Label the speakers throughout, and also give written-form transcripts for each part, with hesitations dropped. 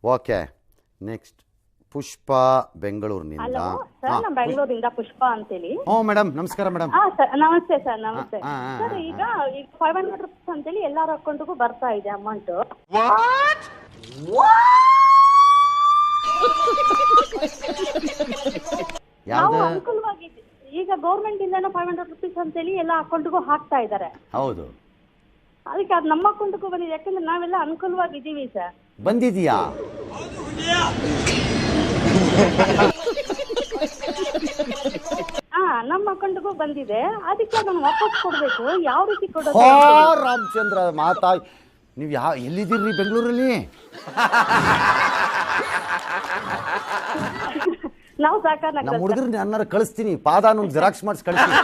Speaker 1: Okay next ಪುಷ್ಪ ಬೆಂಗಳೂರಿನಿಂದ.
Speaker 2: Hello sir, ನಾನು ಬೆಂಗಳೂರಿಂದ ಪುಷ್ಪ ಅಂತೇಳಿ.
Speaker 1: ಮೇಡಮ್ ನಮಸ್ಕಾರ ಮೇಡಮ್.
Speaker 2: ಸರ್ ನಮಸ್ತೆ ಸರ್, ನಮಸ್ತೆ ಸರ್. ಈಗ 500 rupees ಅಂತೇಳಿ ಎಲ್ಲಾರ ಅಕೌಂಟ್ಗೂ ಬರ್ತಾ ಇದೆ ಅಮೌಂಟ್. ನಾವು ಅನುಕೂಲವಾಗಿ ಈಗ ಗೌರ್ಮೆಂಟ್ ಇಂದ 500 rupees ಅಂತೇಳಿ ಎಲ್ಲ ಅಕೌಂಟ್ಗೂ ಹಾಕ್ತಾ ಇದ್ದಾರೆ.
Speaker 1: ಹೌದು,
Speaker 2: ಅದಕ್ಕೆ ಅದು ನಮ್ಮ ಅಕೌಂಟ್ಗೂ ಬಂದಿದೆ. ಯಾಕಂದ್ರೆ ನಾವೆಲ್ಲ ಅನುಕೂಲವಾಗಿದ್ದೀವಿ ಸರ್.
Speaker 1: ಬಂದಿದೆಯಾ?
Speaker 2: ನಮ್ಮ ಅಕೌಂಟ್ಗೂ ಬಂದಿದೆ. ಅದಕ್ಕೆ ಅದನ್ನು ವಾಪಸ್ ಕೊಡ್ಬೇಕು. ಯಾವ ರೀತಿ ಕೊಡೋದು?
Speaker 1: ರಾಮಚಂದ್ರ ಮಾತಾ, ನೀವು ಎಲ್ಲಿದ್ದೀರಿ ಬೆಂಗಳೂರಲ್ಲಿ?
Speaker 2: ನಾವು ಸಾಕಾರ
Speaker 1: ನಮ್ಮ ಹುಡುಗರು ಅನ್ನಾರ ಕಳಿಸ್ತೀನಿ, ಪಾದಾನ ಜೆರಾಕ್ಸ್ ಮಾಡಿಸಿ ಕಳಿಸ್ತೀನಿ.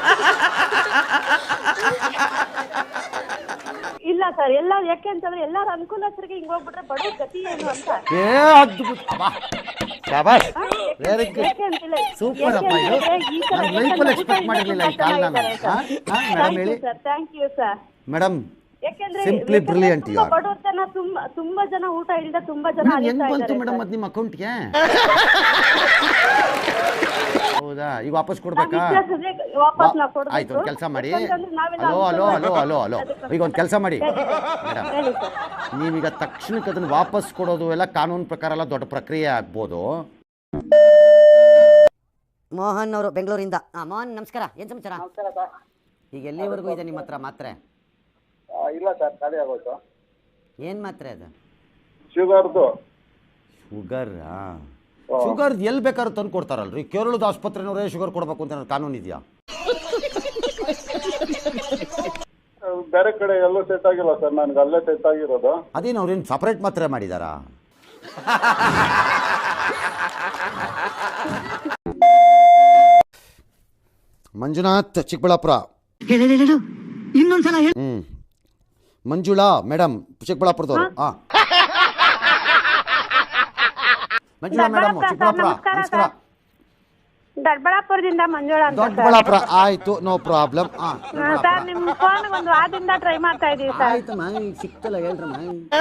Speaker 2: ಇಲ್ಲ ಸರ್, ಎಲ್ಲ ಯಾಕೆ ಅಂತಂದ್ರೆ ಎಲ್ಲಾರ ಅನುಕೂಲಸ್ಥರಿಗೆ ಹಿಂಗ್ ಹೋಗ್ಬಿಟ್ರೆ ಬಡವ್ರ ಗತಿ ಏನು ಅಂತ.
Speaker 1: ವೆರಿ ಗುಡ್, ಸೂಪರ್ ಅಪ್ಪ. ಇದು ನಾನು ಲೈಫಲ್ಲಿ ಎಕ್ಸ್ಪೆಕ್ಟ್ ಮಾಡಿರಲಿಲ್ಲ ಈ ಕಾಲ್. ನಾನು ಮೇಡಮ್ ಹೇಳಿ.
Speaker 2: Thank you sir.
Speaker 1: ಮೇಡಮ್
Speaker 2: ಯಾಕೆಂದ್ರೆ
Speaker 1: ಸಿಂಪ್ಲಿ ಬ್ರಿಲಿಯಂಟ್ ಯು ಆರ್.
Speaker 2: ಬಡವ್ರ ಜನ ತುಂಬಾ ಜನ ಊಟ ಇಲ್ಲದೆ ತುಂಬಾ ಜನ
Speaker 1: ಹೆಂಗ್ ಬಂತು ಮೇಡಮ್ ಅದು ನಿಮ್ಮ ಅಕೌಂಟ್ಗೆ? ಹೌದಾ, ಈಗ ವಾಪಸ್ ಕೊಡ್ಬೇಕಾ? ಆಯ್ತು, ಒಂದು ಕೆಲಸ ಮಾಡಿ. Hello hello hello hello hello ಈಗ ಒಂದು ಕೆಲಸ ಮಾಡಿ ಮೇಡಮ್, ನೀವೀಗ ತಕ್ಷಣಕ್ಕೆ ಅದನ್ನು ವಾಪಸ್ ಕೊಡೋದು ಎಲ್ಲ ಕಾನೂನು ಪ್ರಕಾರ ಎಲ್ಲ ದೊಡ್ಡ ಪ್ರಕ್ರಿಯೆ ಆಗ್ಬೋದು.
Speaker 3: ಮೋಹನ್ ಅವರು ಬೆಂಗಳೂರಿಂದ. ಮೋಹನ್ ನಮಸ್ಕಾರ, ಏನು ಸಮಾಚಾರ? ಈಗ ಎಲ್ಲಿವರೆಗೂ ಇದೆ ನಿಮ್ಮ ಹತ್ರ ಮಾತ್ರೆ?
Speaker 4: ಇಲ್ಲ ಸರ್, ಖಾಲಿ ಆಗೋಯ್ತು.
Speaker 3: ಏನು ಮಾತ್ರೆ ಅದು?
Speaker 4: ಶುಗರ್ದು.
Speaker 1: ಶುಗರಾ? ಶುಗರ್ ಎಲ್ಲಿ ಬೇಕಾದ್ರೂ ತಂದು ಕೊಡ್ತಾರಲ್ರಿ? ಕೇರಳದ ಆಸ್ಪತ್ರೆನವರೇ ಶುಗರ್ ಕೊಡಬೇಕು ಅಂತ ಕಾನೂನು ಇದೆಯಾ?
Speaker 4: ಬೇರೆ ಕಡೆ ಎಲ್ಲೂ ಸೆಟ್ ಆಗಿಲ್ಲ ಸರ್, ನನಗೆ ಅಲ್ಲೇ ಸೆಟ್ ಆಗಿರೋದು.
Speaker 1: ಅದೇನು ಅವ್ರೇನು ಸಪರೇಟ್ ಮಾತ್ರೆ ಮಾಡಿದಾರಾ? ಮಂಜುನಾಥ್ ಚಿಕ್ಕಬಳ್ಳಾಪುರ.
Speaker 3: ಇನ್ನೊಂದ್ಸಲ
Speaker 1: ಮಂಜುಳಾ ಮೇಡಮ್ ಚಿಕ್ಕಬಳ್ಳಾಪುರದವರು. ಮಂಜುಳಾ ಮೇಡಮ್ ಚಿಕ್ಕಬಳ್ಳಾಪುರ. ನಮಸ್ಕಾರ.
Speaker 2: ದೊಡ್ಡಬಳ್ಳಾಪುರದಿಂದ ಮಂಜುಳಾ ಅಂತ.
Speaker 1: ದೊಡ್ಡಬಳ್ಳಾಪುರ, ಆಯ್ತು, ನೋ ಪ್ರಾಬ್ಲಮ್.
Speaker 2: ಸರ್, ನಿಮ್ಮ ಫೋನ್ ಒಂದು ವಾರದಿಂದ ಟ್ರೈ ಮಾಡ್ತಾ ಇದೀವಿ ಸರ್.
Speaker 1: ಆಯ್ತಮ್ಮ, ಸಿಕ್ತಲ್ಲ ಹೇಳ್ರಮ್ಮ.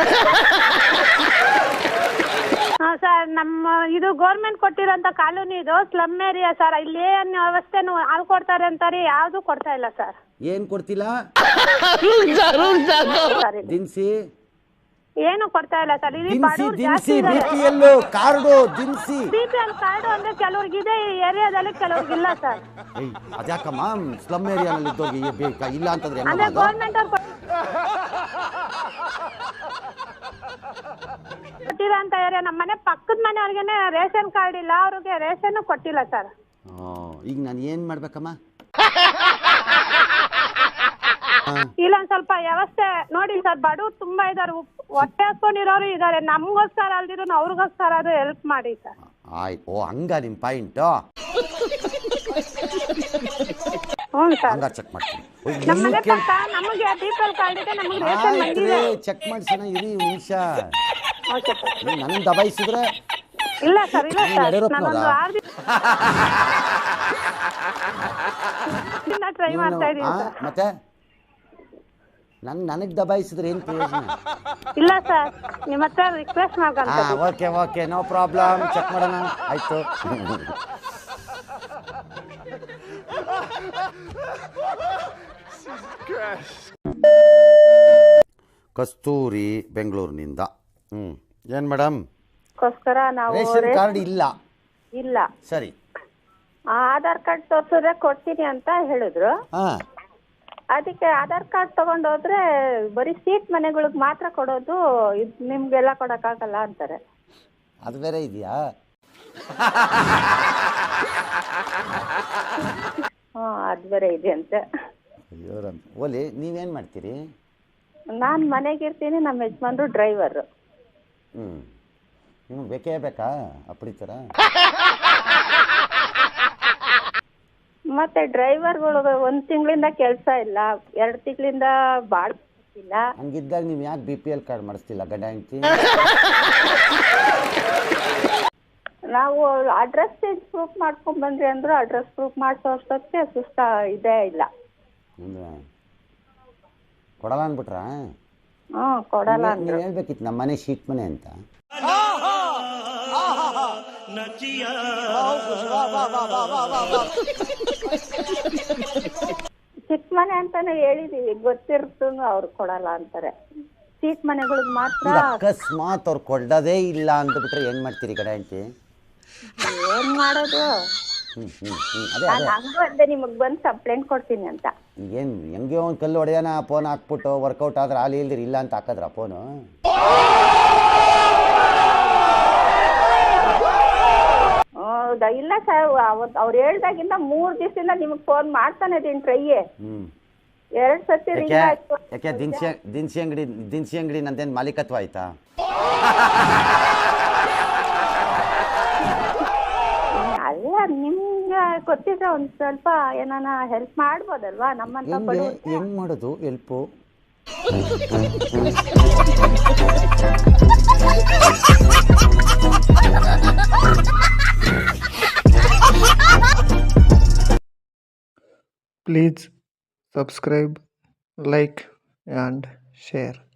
Speaker 2: ಸರ್, ನಮ್ಮ ಇದು ಗೌರ್ಮೆಂಟ್ ಕೊಟ್ಟಿರೋಂಥ ಕಾಲೋನಿ ಇದು ಸ್ಲಮ್ ಏರಿಯಾ ಸರ್. ಇಲ್ಲಿ ಏನು ವ್ಯವಸ್ಥೆನೂ ಹಾಲು ಕೊಡ್ತಾರೆ ಅಂತಾರೆ, ಯಾವುದು ಕೊಡ್ತಾ ಇಲ್ಲ ಸರ್.
Speaker 1: ಏನ್ ಕೊಡ್ತಿಲ್ಲ? ದಿನಸಿ
Speaker 2: ಏನು ಕೊಡ್ತಾ ಇಲ್ಲ ಸರ್. ಇಲ್ಲಿ
Speaker 1: ದಿನಸಿ ಬಿಪಿಎಲ್ ಕಾರ್ಡು, ದಿನಸಿ
Speaker 2: ಬಿಪಿಎಲ್ ಕಾರ್ಡು ಅಂದ್ರೆ ಕೆಲವ್ರಿಗೆ ಇದೆ ಈ ಏರಿಯಾದಲ್ಲಿ, ಕೆಲವ್ರಿಗೆ ಇಲ್ಲ ಸರ್.
Speaker 1: ಅದ್ಯಾಕಮ್ಮ ಸ್ಲಮ್ ಏರಿಯಾನಲ್ಲಿ ಇದ್ದೋಗಿ ಇಲ್ಲ ಅಂತಂದ್ರೆ
Speaker 2: ಅಂದ್ರೆ ಗೌರ್ಮೆಂಟ್ ಅವ್ರು ಕೊಟ್ಟಿರೋಂಥ ಏರಿಯಾ. ನಮ್ಮ ಮನೆ ಪಕ್ಕದ ಮನೆಯವ್ರಿಗೆನೆ ರೇಷನ್ ಕಾರ್ಡ್ ಇಲ್ಲ, ಅವ್ರಿಗೆ ರೇಷನ್ ಕೊಟ್ಟಿಲ್ಲ ಸರ್.
Speaker 1: ಈಗ ನಾನು ಏನ್ ಮಾಡ್ಬೇಕಮ್ಮ?
Speaker 2: ಇಲ್ಲೊಂದ್ ಸ್ವಲ್ಪ ವ್ಯವಸ್ಥೆ ನೋಡಿ ಸರ್. ಬಡವ್ರು ತುಂಬಾ ಇದಾರೆ, ಹೊಟ್ಟೆ ಹಾಕೊಂಡಿರೋರು ಇದಾರೆ. ನಮ್ಗೋಸ್ಕರ ಅಲ್ದಿದ್ರು ಅವ್ರಿಗೋಸ್ಕರ ಅದು ಹೆಲ್ಪ್ ಮಾಡಿ ಸರ್.
Speaker 1: ಆಯ್ತು, ಹಂಗ ನಿಮ್ ಪಾಯಿಂಟ್.
Speaker 2: ಹ್ಞೂ ಸರ್,
Speaker 1: ಹಂಗ ಚೆಕ್ ಮಾಡ್ತೀನಿ.
Speaker 2: ನಮ್ಮ ಮನೆ ಪಕ್ಕ ನಮಗೆ ಬಿಪಿಎಲ್ ಕಾರ್ಡ್ ಇದೆ, ನಮಗೆ ರೇಷನ್ ಬಂದಿದೆ.
Speaker 1: ಚೆಕ್ ಮಾಡ್ಸೋಣ ಇರಿ ನಿಮಿಷ.
Speaker 2: Okay sir.
Speaker 1: ನನ್ನ ದಬಾಯಿಸಿದ್ರೆ
Speaker 2: ಇಲ್ಲ ಸರ್, ಇಲ್ಲ ಸರ್, ನಾನೊಂದು 6 ದಿನ ಟ್ರೈ ಮಾಡ್ತಾ ಇದೀನಿ ಸರ್.
Speaker 1: ಮತ್ತೆ ನನಗೆ ದಬಾಯಿಸಿದ್ರೆ ಏನು ಪ್ರಯೋಜನ?
Speaker 2: ಇಲ್ಲ ಸರ್, ನಿಮ್ಮ ಹತ್ರ ರಿಕ್ವೆಸ್ಟ್ ಮಾಡ್ಕೊಂತ.
Speaker 1: Okay okay, no problem, check ಮಾಡೋಣ. ಆಯ್ತು. ಕಸ್ತೂರಿ ಬೆಂಗಳೂರಿನಿಂದ. ಏನ್ ಮೇಡಮ್?
Speaker 2: ನಾವು
Speaker 1: ರೇಷನ್ ಕಾರ್ಡ್ ಇಲ್ಲ.
Speaker 2: ಇಲ್ಲ
Speaker 1: ಸರಿ,
Speaker 2: ಆಧಾರ್ ಕಾರ್ಡ್ ತೋರ್ಸಿದ್ರೆ ಕೊಡ್ತೀನಿ ಅಂತ ಹೇಳಿದ್ರು. ಅದಕ್ಕೆ ಆಧಾರ್ ಕಾರ್ಡ್ ತಗೊಂಡೋದ್ರೆ ಬರೀ ಸೀಟ್ ಮನೆಗಳಿಗೆ ಮಾತ್ರ ಕೊಡೋದು, ನಿಮ್ಗೆಲ್ಲ ಕೊಡಕ್ಕಾಗಲ್ಲ ಅಂತಾರೆ.
Speaker 1: ಅದು ಬೇರೆ ಇದೆಯಾ?
Speaker 2: ಅದು ಬೇರೆ ಇದೆ ಅಂತೆ.
Speaker 1: ಅಯ್ಯೋ ಓಲಿ, ನೀವೇನು ಮಾಡ್ತೀರಿ?
Speaker 2: ನಾನು ಮನೆಗಿರ್ತೀನಿ, ನಮ್ಮ ಯಜಮಾನ್ರು ಡ್ರೈವರು.
Speaker 1: ನಿಮ್ಗೆ ಬೇಕೇ ಬೇಕಾ ಅಪ್ಪಡಿ ಥರ?
Speaker 2: ಮತ್ತೆ ಡ್ರೈವರ್ಗಳು 1 ತಿಂಗಳಿಂದ ಕೆಲಸ ಇಲ್ಲ, 2 ತಿಂಗಳಿಂದ ಬಾಳ್ ಇಲ್ಲ.
Speaker 1: ಹಂಗಿದ್ದಾಗ ನೀವು ಯಾಕೆ BPL ಕಾರ್ಡ್ ಮಾಡಿಸ್ತಿಲ್ಲ ಗಂಡ ಹೆಂಡತಿ?
Speaker 2: ನಾವು ಅಡ್ರೆಸ್ ಚೇಂಜ್ ಪ್ರೂಫ್ ಮಾಡ್ಕೊಂಡ್ ಬಂದ್ರಿ ಅಂದ್ರು ಅಡ್ರೆಸ್ ಪ್ರೂಫ್ ಮಾಡಿಸೋ ಅಷ್ಟೊತ್ತಿಗೆ ಸುಸ್ತ ಇದೇ ಇಲ್ಲ.
Speaker 1: ಕೊಡಲ್ಲ ಅಂದ್ಬಿಟ್ರಾ?
Speaker 2: ಕೊಡಲ್ಲ.
Speaker 1: ನೀವು ಹೇಳ್ಬೇಕಿತ್ತು ನಮ್ಮ ಮನೆ ಶೀಟ್ ಮನೆ ಅಂತ.
Speaker 2: ಚಿಕ್ಕ ಮನೆ ಅಂತಾನೆ ಹೇಳಿದೀವಿ, ಗೊತ್ತಿರ್ತೂ ಅವ್ರು ಕೊಡಲ್ಲ ಅಂತಾರೆ. ಸೀಟ್ ಮನೆಗಳಿಗೆ ಮಾತ್ರ.
Speaker 1: ಈಗ ಅಕಸ್ಮಾತ್ ಅವ್ರು ಕೊಡೋದೇ ಇಲ್ಲ ಅಂದ್ಬಿಟ್ರೆ ಏನು ಮಾಡ್ತೀರಿ ಗಡ ಹೆಂಡತಿ?
Speaker 2: ಏನ್ ಮಾಡೋದು?
Speaker 1: ಅದೇ
Speaker 2: ನಾನು ಹಂಗೂ ಅಂದೆ ನಿಮಗ್ ಬಂದು ಕಂಪ್ಲೇಂಟ್ ಕೊಡ್ತೀನಿ ಅಂತ.
Speaker 1: ಏನು ಹೆಂಗೆ ಒಂದು ಕಲ್ಲು ಹೊಡೆಯೋಣ, ಫೋನ್ ಹಾಕ್ಬಿಟ್ಟು ವರ್ಕೌಟ್ ಆದ್ರೆ ಹಾಲು ಇಲ್ದಿರಿ ಇಲ್ಲ ಅಂತ ಹಾಕಿದ್ರ ಫೋನು?
Speaker 2: ಹೌದಾ? ಇಲ್ಲ ಸರ್, ಅವತ್ತು ಅವ್ರು ಹೇಳ್ದಾಗಿಂದ 3 ದಿವಸದಿಂದ ನಿಮಗ್ ಫೋನ್ ಮಾಡ್ತಾನೆ ಇದೀನಿ, ಟ್ರೈ 2 ಸತಿ ರಿಂಗ್ ಆಯ್ತು.
Speaker 1: ಯಾಕೆ ದಿನಸಿ ಅಂಗಡಿ ನಂದೇನು ಮಾಲೀಕತ್ವ ಆಯ್ತಾ?
Speaker 2: ಅಲ್ಲ, ನಿಮ್ಗೆ ಗೊತ್ತಿದ್ರೆ ಒಂದ್ ಸ್ವಲ್ಪ ಏನಾನ ಹೆಲ್ಪ್ ಮಾಡ್ಬೋದಲ್ವಾ ನಮ್ಮಂತ ಬಡವ್ರು?
Speaker 1: ಹೆಂಗ್ ಮಾಡೋದು help?
Speaker 5: Please subscribe, like and share.